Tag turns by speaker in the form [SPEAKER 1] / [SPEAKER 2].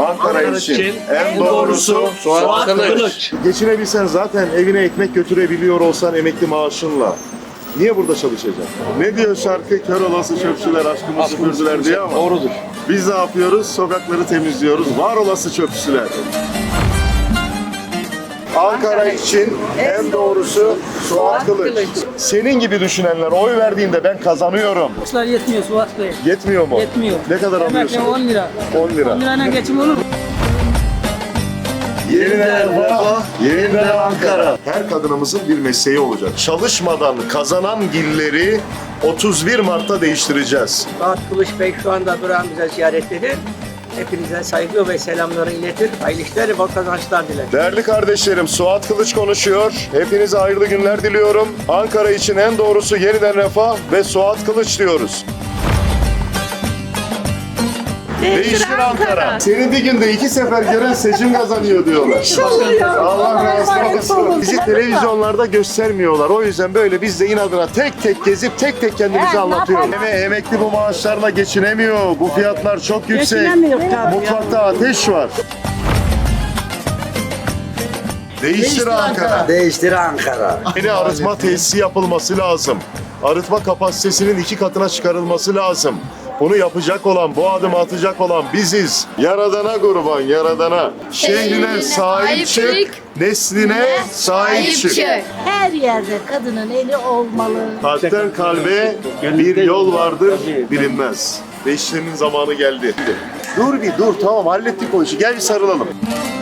[SPEAKER 1] Ankara için en doğrusu Suat Kılıç. Geçinebilsen zaten evine ekmek götürebiliyor olsan emekli maaşınla. Niye burada çalışacaksın? Ne diyor şarkı? Kör olası çöpçüler aşkımı süpürdüler diye ama.
[SPEAKER 2] Doğrudur.
[SPEAKER 1] Biz ne yapıyoruz? Sokakları temizliyoruz. Var olası çöpçüler. Ankara için en doğrusu Suat Kılıç. Senin gibi düşünenler oy verdiğinde ben kazanıyorum.
[SPEAKER 3] Maaşlar yetmiyor Suat Bey.
[SPEAKER 1] Yetmiyor mu?
[SPEAKER 3] Yetmiyor.
[SPEAKER 1] Ne kadar
[SPEAKER 3] Emekli
[SPEAKER 1] alıyorsun?
[SPEAKER 3] 10 lira.
[SPEAKER 1] 10 lira.
[SPEAKER 3] 10 lirayla geçim olur mu?
[SPEAKER 1] Yeniden Refah, yeniden Ankara. Her kadınımızın bir mesleği olacak. Çalışmadan kazanan gilleri 31 Mart'ta değiştireceğiz.
[SPEAKER 4] Suat Kılıç Bey şu anda durağımıza ziyarettedir. Hepinize saygı ve selamları iletir. Hayırlı işler ve bol kazançlar dilerim.
[SPEAKER 1] Değerli kardeşlerim, Suat Kılıç konuşuyor. Hepinize hayırlı günler diliyorum. Ankara için en doğrusu yeniden Refah ve Suat Kılıç diyoruz. Değiştir Ankara. Seni bir günde 2 sefer gören seçim kazanıyor diyorlar. Allah razı olsun. Bizi televizyonlarda göstermiyorlar. O yüzden böyle biz de inadına tek tek gezip tek tek kendimizi anlatıyoruz. Emekli bu maaşlarla geçinemiyor. Bu fiyatlar çok yüksek.
[SPEAKER 3] Geçinemiyor tabii.
[SPEAKER 1] Mutfakta ateş var. Değiştir Ankara.
[SPEAKER 2] Değiştir Ankara.
[SPEAKER 1] Yeni arıtma tesisi yapılması lazım. Arıtma kapasitesinin 2 katına çıkarılması lazım. Bunu yapacak olan, bu adımı atacak olan biziz. Yaradana kurban, yaradana. Şehrine sahip çık, nesline sahip çık.
[SPEAKER 5] Her yerde kadının eli olmalı.
[SPEAKER 1] Kalpten kalbe bir yol vardır, bilinmez. Değiştirmenin zamanı geldi. Dur bir dur, tamam hallettik o işi. Gel bir sarılalım.